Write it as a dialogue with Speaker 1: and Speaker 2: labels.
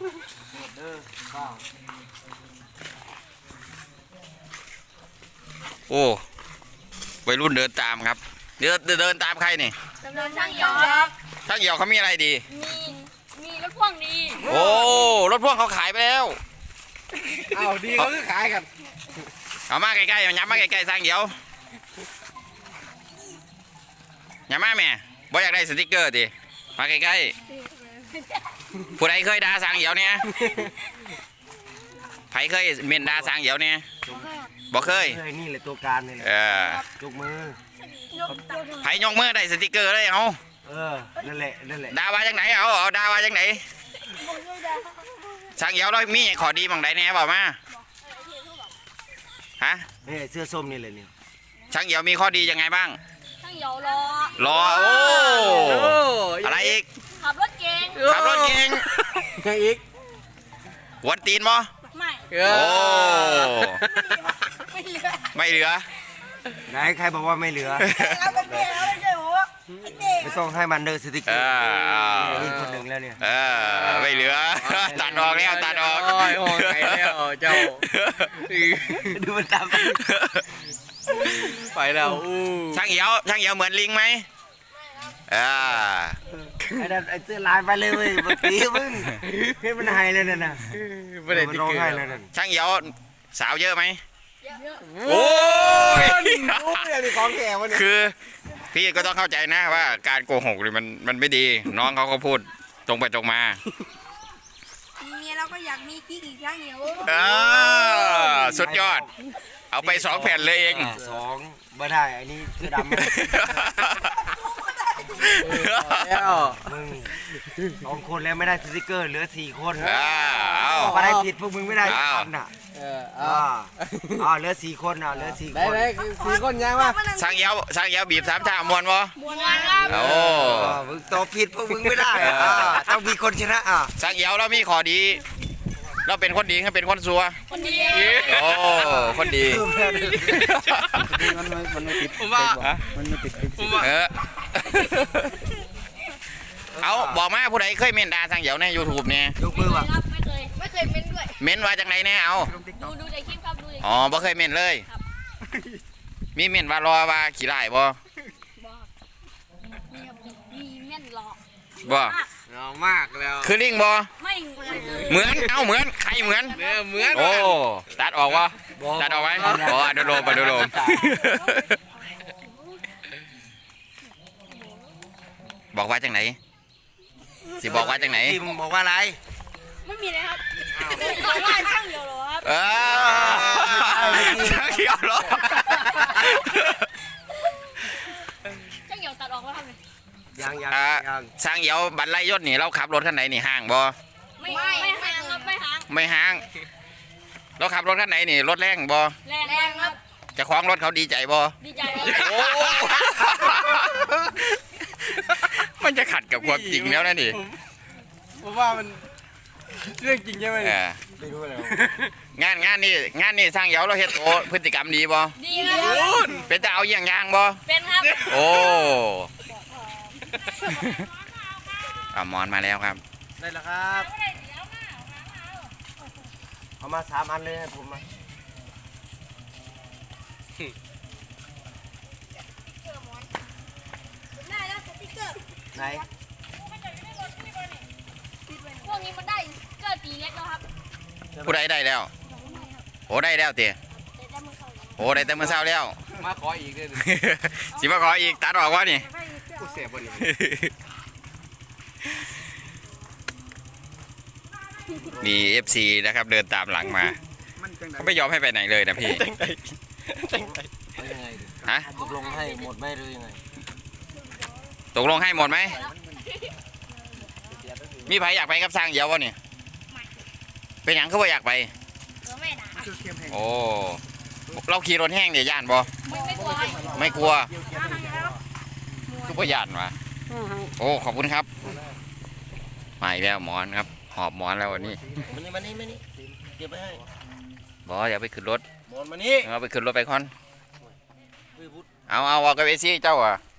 Speaker 1: โอ้วัยรุ่นเดินตามครับเดินตามใครนี่
Speaker 2: เดินช่างเหี่ยวครับ
Speaker 1: ช่างเหี่ยวเขามีอะไรดี
Speaker 2: มีรถพ่วงดี
Speaker 1: โอ้รถพ่วงเขาขายไปแล้ว
Speaker 3: เอาดีเขาคือขายกัน
Speaker 1: เอามาใกล้ๆย้ำมาใกล้ๆช่างเหี่ยวย้ำมาแม่บ่อยากได้สติ๊กเกอร์ดิมาใกล้ๆผู้ใดเคยด่าช่างเหี่ยวเนี่ยไผเคยเมนด่าช่างเหี่ยวเนี่ยบ่เคย
Speaker 3: นี่แหละตัวการนี่แหละยกมือ
Speaker 1: ไผยกมือได้สติ๊กเกอร์เลยเอา
Speaker 3: นั่นแหละ
Speaker 1: ด่าว่าจังไหนเอาด่าว่าจังไหนช่างเหี่ยวเรามีขอดีบางใดแน่บอกมาฮะ
Speaker 3: นี่เสื้อส้มนี่เลยนี่
Speaker 1: ช่างเหี่ยวมีข้อดียังไงบ้าง
Speaker 2: ช่างเหี่ยวรอ
Speaker 1: โอ้อะไรอีก
Speaker 2: ขับรถเก่ง
Speaker 3: ยังอีก
Speaker 1: วันตีนบ่
Speaker 2: ไม่
Speaker 1: โอ้ไม่เหลือ
Speaker 3: ไหนใครบอกว่าไม่เหลือไม่ต้องให้มันเดินสติ๊กเกอร์นี่คนหนึ่งแล้วเนี่ย
Speaker 1: ไม่เหลือตัดออกแล้วตัดออก
Speaker 3: โอ้ยแล้วเจ้าดูมันตามไปแล้ว
Speaker 1: ช่างเหี่ยวเหมือนลิงไหม
Speaker 3: ไอ้เสื้อลายไปเลยเว้ยเมื่อกี้มึงให้มันหายเลยน่ะไม่ได้ร้องไห้เลยน่ะ
Speaker 1: ช่างเหี่ยวสาวเยอะไหม
Speaker 3: โอ้ยนี่ของแก่วะเนี่ย
Speaker 1: คือพี่ก็ต้องเข้าใจนะว่าการโกหกนี่มันไม่ดีน้องเขาก็พูดตรงไปตรงมา
Speaker 2: มีเมียเราก็อยากมีกิ๊กอีกช่างเหี่ยว
Speaker 1: สุดยอดเอาไป2 แผ่นเลยเอง
Speaker 3: 2ไม่ได้อันนี้เสื้อดำแล้วมึง2 คนแล้วไม่ได้สติ๊กเกอร์เหลือ4 คนอะไรผิดพวกมึงไม่ได้กันน่ะเหลือ4 คนเหลือ4 คนได้4 คนยังวะ
Speaker 1: ช่างเหี่ยวบีบ3 ท่ามวนบ่
Speaker 2: มวนครับ
Speaker 1: โอ้
Speaker 3: มึงตอบผิดพวกมึงไม่ได้ต้องมีคนชนะ
Speaker 1: ช่างเหี่ยวเรามีข้อดีเราเป็นคนดีให้เป็นคนซัว
Speaker 2: คนดี
Speaker 1: โอ้คนดี
Speaker 3: มันไม่ติด
Speaker 1: ผมว่า
Speaker 3: มันไม่ติด
Speaker 1: เอาบอกมาผู้ใดเคยเมนด่าช่างเหี่ยวใน YouTube เนี่ย
Speaker 3: ยกมือว่ะ
Speaker 2: ไม่เคยเมนด้วย
Speaker 1: เมนว่าจังไหนเนี่ยเอา
Speaker 2: ดูในคลิปครับดูใน
Speaker 1: บ่เคยเมนเลยมีเมนว่ารอว่าขี้ไล่บ่
Speaker 2: มีเมนหลอก
Speaker 1: บ่
Speaker 3: มากแล้ว
Speaker 1: คือลิงบ่
Speaker 2: ไม่
Speaker 1: เหมือนเหมือนใครเหมือนโอ้ตัดออกวะตัดออกไหมอ๋ออนุโลมบอกว่าจังไหนสิบอกว่าจังไหน
Speaker 3: มึงบอกว่าอะไร
Speaker 2: ไม่มีเลยครับบอกว่าช่างเหี่ยวหรอครับ
Speaker 1: ช่างเหี่ยวหรอ
Speaker 2: ช่างเหี่ยวตัดออกแล้วครับ
Speaker 3: ยัง
Speaker 1: ช่างเหี่ยวบันไลยศนี่เราขับรถคันไหนนี่ห้างบ่
Speaker 2: ไม่ห่างครับ
Speaker 1: ไม่ห่างเราขับรถคันไหนนี่รถแรงบ่
Speaker 2: แรงครับ
Speaker 1: จะคล้องรถเขาดีใจบ่
Speaker 2: ดีใจครับ
Speaker 1: มันจะขัดกับความจริงแล้วนะนี่
Speaker 3: ผมว่ามันเรื่องจริงใช่ไหมไม่รู้แล้ว
Speaker 1: งานนี่สร้างเหี่ยวเราเฮ็ดโตพฤติกรรมดีบ่
Speaker 2: ดีครับ
Speaker 1: เป็นแต่เอาอย่างบ่
Speaker 2: เป็นครับ
Speaker 1: โอ้มอนมาแล้วครับ
Speaker 3: ได้แล้วครับเอามา3 อันเลยผมมา
Speaker 2: ได้แล้วสติ๊กเกอร์
Speaker 3: ไหน
Speaker 2: พวกนี้มันได้เกอร์ตีเล็กแล้วครับ
Speaker 1: ผู้ใดได้แล้วโอ้ได้แล้วเตี๋ยโอ้ได้แต่เมื่อเช้าแล้ว
Speaker 3: มาขออีกเลย
Speaker 1: สิมาขออีกตัดออกวะนี่
Speaker 3: กูเสียบ่นี่
Speaker 1: มี FC นะครับเดินตามหลังมาเขาไม่ยอมให้ไปไหนเลยนะพี่ฮะ
Speaker 3: ตกลงให้หมดไหมหรือยังไง
Speaker 1: ตกลงให้หมดไหมมีใครอยากไปกับสร้างเหี่ยววะเนี่ยเป็นอย่างเขาบอกอยากไปโอ้เราขี่รถแห้งเดี๋ยวย่านบ่ไม่กลัวก็ย่านวะโอ้ขอบคุณครับมาอีกแล้วหมอนครับหอบหมอนแล้ววันนี้
Speaker 3: มานี่เก็บไปให้
Speaker 1: บออย่าไปขึ้นรถ
Speaker 3: หมอนมานี่
Speaker 1: เอาไปขึ้นรถไปคอนเอากับเอซี่เจ้าอ่ะ